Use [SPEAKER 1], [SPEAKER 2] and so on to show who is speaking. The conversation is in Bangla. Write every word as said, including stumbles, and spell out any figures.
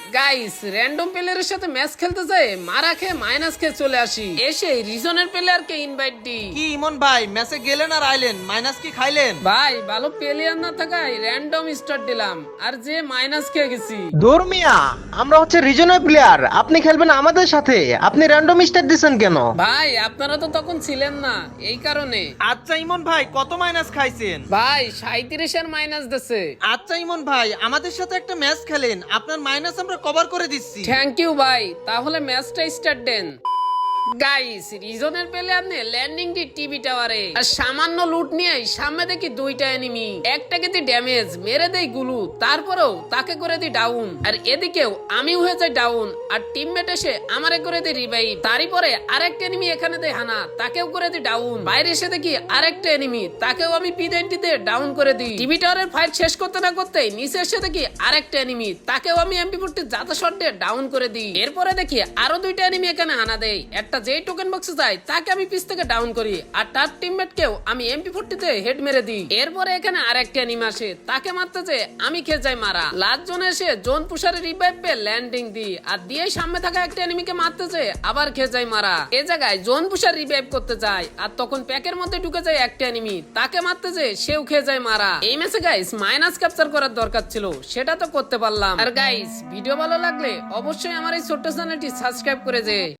[SPEAKER 1] গাইস র্যান্ডম প্লেয়ারের সাথে ম্যাচ খেলতে যায় মারা খেয়ে মাইনাস খেয়ে চলে আসি, এসে রিজনের প্লেয়ারকে ইনভাইট দিই।
[SPEAKER 2] কি ইমন ভাই ম্যাচে গেলেন আর আইলেন, মাইনাস কি খাইলেন?
[SPEAKER 1] ভাই ভালো প্লেয়ার না থাকায় র্যান্ডম স্টার্ট দিলাম, আর যে মাইনাস খেয়ে গেছি।
[SPEAKER 3] ধর্মিয়া, আমরা হচ্ছে রিজনাল প্লেয়ার, আপনি খেলবেন আমাদের সাথে, আপনি র্যান্ডম স্টার দিছেন কেন?
[SPEAKER 1] ভাই আপনারা তো তখন ছিলেন না, এই কারণে।
[SPEAKER 2] আচ্ছা ইমন ভাই কত মাইনাস খাইছেন?
[SPEAKER 1] ভাই সাঁইত্রিশের মাইনাস দিছে।
[SPEAKER 2] আচ্ছা ইমন ভাই আমাদের সাথে একটা ম্যাচ খেলেন, আপনার মাইনাস আমরা কভার করে দিচ্ছি।
[SPEAKER 1] থ্যাংক ইউ ভাই, তাহলে ম্যাচটা স্টার্ট দেন। গাইস রিজনের প্লেয়ার নে ল্যান্ডিং দি টিভি টাওয়ারে, আর সামান্য লুট নিয়ে সামনে দেখি দুইটা এনিমি, একটাকে দি ড্যামেজ মেরে দেই গুলু, তারপরেও তাকে করে দি ডাউন, আর এদিকেও আমি হয়ে যাই ডাউন, আর টিমমেট এসে আমারে করে দি রিভাইভ, তারই পরে আরেকটা এনিমি এখানে দেয় হানা, তাকেও করে দি ডাউন, বাইরে এসে দেখি আরেকটা এনিমি, তাকেও আমি পিডেন্টিতে ডাউন করে দিই। টিভি টাওয়ারের ফাইট শেষ করতে না করতেই নিচে এসে দেখি আরেকটা এনিমি, তাকেও আমি এমপি ফোরটি জাতা শট দিয়ে ডাউন করে দিই। এরপরে দেখি আরো দুইটা এনিমি এখানে হানা দেয়, একটা যেই টোকেন বক্সে যায় তাকে আমি পিছ থেকে ডাউন করি, আর তার টিমমেট কেও আমি এমপি ফোরটি তে হেড মেরে দিই। এরপরে এখানে আরেকটা এনিমি আসে, তাকে মারতে যে আমি খেয়ে যাই মারা, লাস্ট জোনে এসে জোন পুষারে রিভাইভ পেয়ে ল্যান্ডিং দিই, আর দিয়ে সামনে থাকা একটা এনিমিকে মারতে যে আবার খেয়ে যাই মারা। এ জায়গায় জোন পুষার রিভাইভ করতে যায়, আর তখন প্যাকের মধ্যে ঢুকে যায় একটা এনিমি, তাকে মারতে যে সেও খেয়ে যায় মারা। এই ম্যাচে গাইস মাইনাস ক্যাপচার করার দরকার ছিল, সেটা তো করতে পারলাম। আর গাইস ভিডিও ভালো লাগলে অবশ্যই আমার এই ছোট্ট চ্যানেলটি সাবস্ক্রাইব করে যে